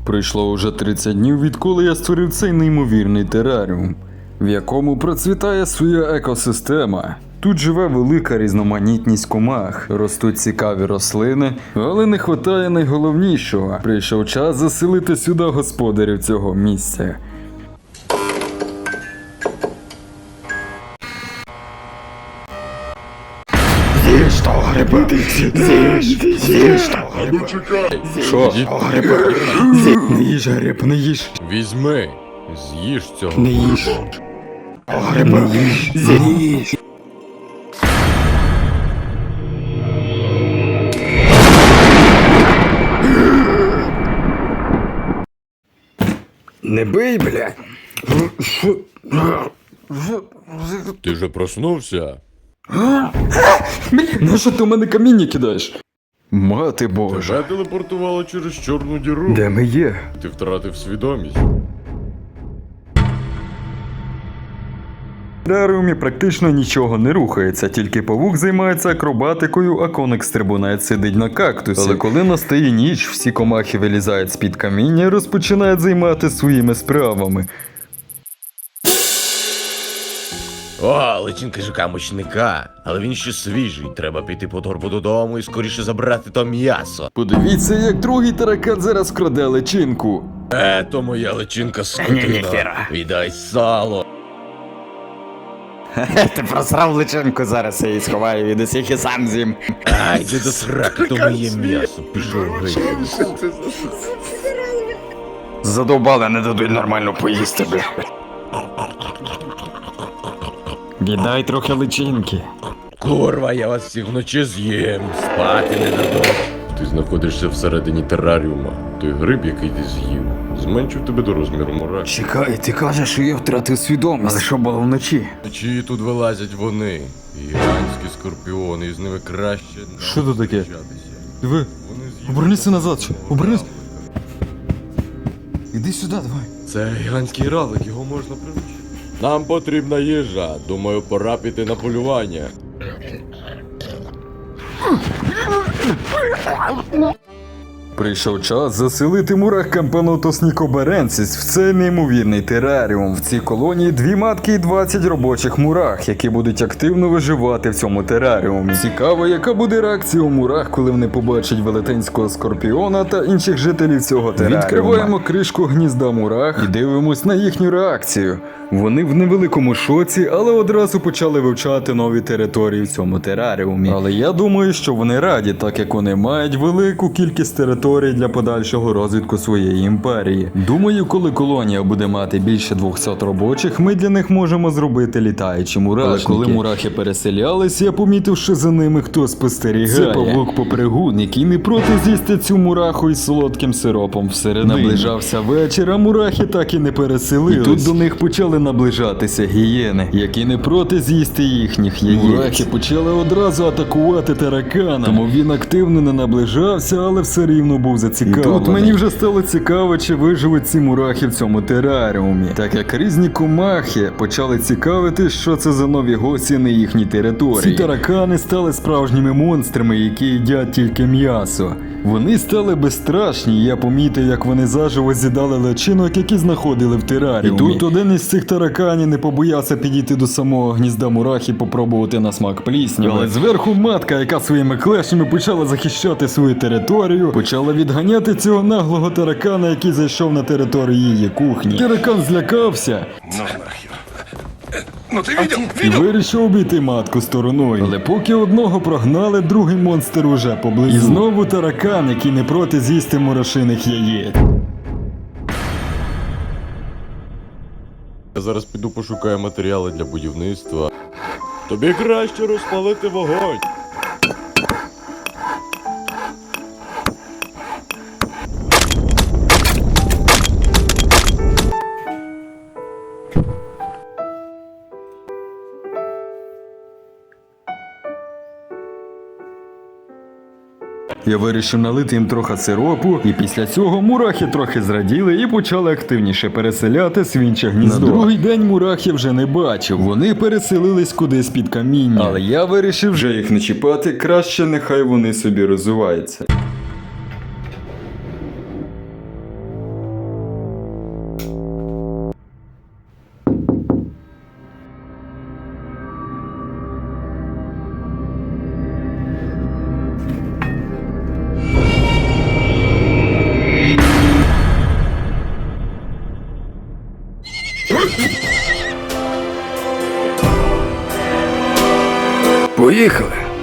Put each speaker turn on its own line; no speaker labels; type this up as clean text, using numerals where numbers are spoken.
Пройшло уже 30 днів, відколи я створив цей неймовірний тераріум, в якому процвітає своя екосистема. Тут живе велика різноманітність комах, ростуть цікаві рослини, але не вистачає найголовнішого. Прийшов час заселити сюди господарів цього місця.
З'їж того гриба! З'їж того гриба!
Що?
Гриба! Не їж гриб, не їж!
Візьми, з'їж цього.
Не їж! Гриба! З'їж! Не бий, блядь!
Ти вже проснувся?
На що ти у мене каміння кидаєш? Мати Божа.
Тебе телепортувало через чорну діру.
Де ми є?
Ти втратив свідомість.
В тераріумі практично нічого не рухається, тільки павук займається акробатикою, а коник-стрибунець сидить на кактусі. Але коли настає ніч, всі комахи вилізають з-під каміння і розпочинають займатися своїми справами.
О, личинка жука-мучника. Але він ще свіжий. Треба піти по торбу додому і скоріше забрати то м'ясо.
Подивіться, як другий таракан зараз краде личинку.
То моя личинка скотина. Віддай сало.
Ти просрав личинку, зараз я її сховаю від усіх і сам з'їм.
Ай, де до сраки, то моє м'ясо. Пішов геть.
Задовбали, не дадуть нормально поїсти, бля. Віддай трохи личинки.
Курва, я вас всіх вночі з'їм. Спати не дадуть.
Ти знаходишся всередині тераріума. Той гриб, який ти з'їв, зменшив тебе до розміру мураки.
Чекай, ти кажеш, що я втратив свідомість. Але що було вночі?
Вночі тут вилазять вони. Гігантські скорпіони, і з ними краще не
Що тут таке?
зустрічатися.
Диви,
Вони з'їдять.
обернися назад, що? Обернись. Іди сюди, давай.
Це гігантський равлик, його можна приручити. Нам потрібна їжа. Думаю, пора піти на полювання.
Прийшов час заселити мурах Кампанотос нікоберенсіс в цей неймовірний тераріум. В цій колонії 2 матки і 20 робочих мурах, які будуть активно виживати в цьому тераріумі. Цікаво, яка буде реакція у мурах, коли вони побачать велетенського скорпіона та інших жителів цього тераріуму. Відкриваємо кришку гнізда мурах і дивимось на їхню реакцію. Вони в невеликому шоці, але одразу почали вивчати нові території в цьому тераріумі. Але я думаю, що вони раді, так як вони мають велику кількість територій для подальшого розвитку своєї імперії. Думаю, коли колонія буде мати більше 200 робочих, ми для них можемо зробити літаючі мурашники. Але коли мурахи переселялись, я помітив, що за ними хтось спостерігає. Це павук-попригун, який не проти з'їсти цю мураху із солодким сиропом всередині. Наближався вечір, а мурахи так і не переселились. І тут до них почали наближатися гієни, які не проти з'їсти їхніх яєць. Мурахи почали одразу атакувати таракана, тому він активно не наближався, але все рівно був зацікавлений. І тут мені вже стало цікаво, чи виживуть ці мурахи в цьому тераріумі, так як різні комахи почали цікавити, що це за нові гості на їхній території. Ці таракани стали справжніми монстрами, які їдять тільки м'ясо. Вони стали безстрашні, і я помітив, як вони заживо з'їдали личинок, які знаходили в тераріумі. І тут один із цих тараканів не побоявся підійти до самого гнізда мурах і попробувати на смак плісняви. Але зверху матка, яка своїми клешнями почала захищати свою територію, почала відганяти цього наглого таракана, який зайшов на територію її кухні. Таракан злякався і вирішив обійти матку стороною. Але поки одного прогнали, другий монстр уже поблизу. І знову таракан, який не проти з'їсти мурашиних яєць.
Я зараз піду пошукаю матеріали для будівництва. Тобі краще розпалити вогонь.
Я вирішив налити їм трохи сиропу, і після цього мурахи трохи зраділи і почали активніше переселятись в інше гніздо. На другий день мурах я вже не бачив, вони переселились кудись під каміння. Але я вирішив вже їх не чіпати, краще нехай вони собі розвиваються. Поїхали!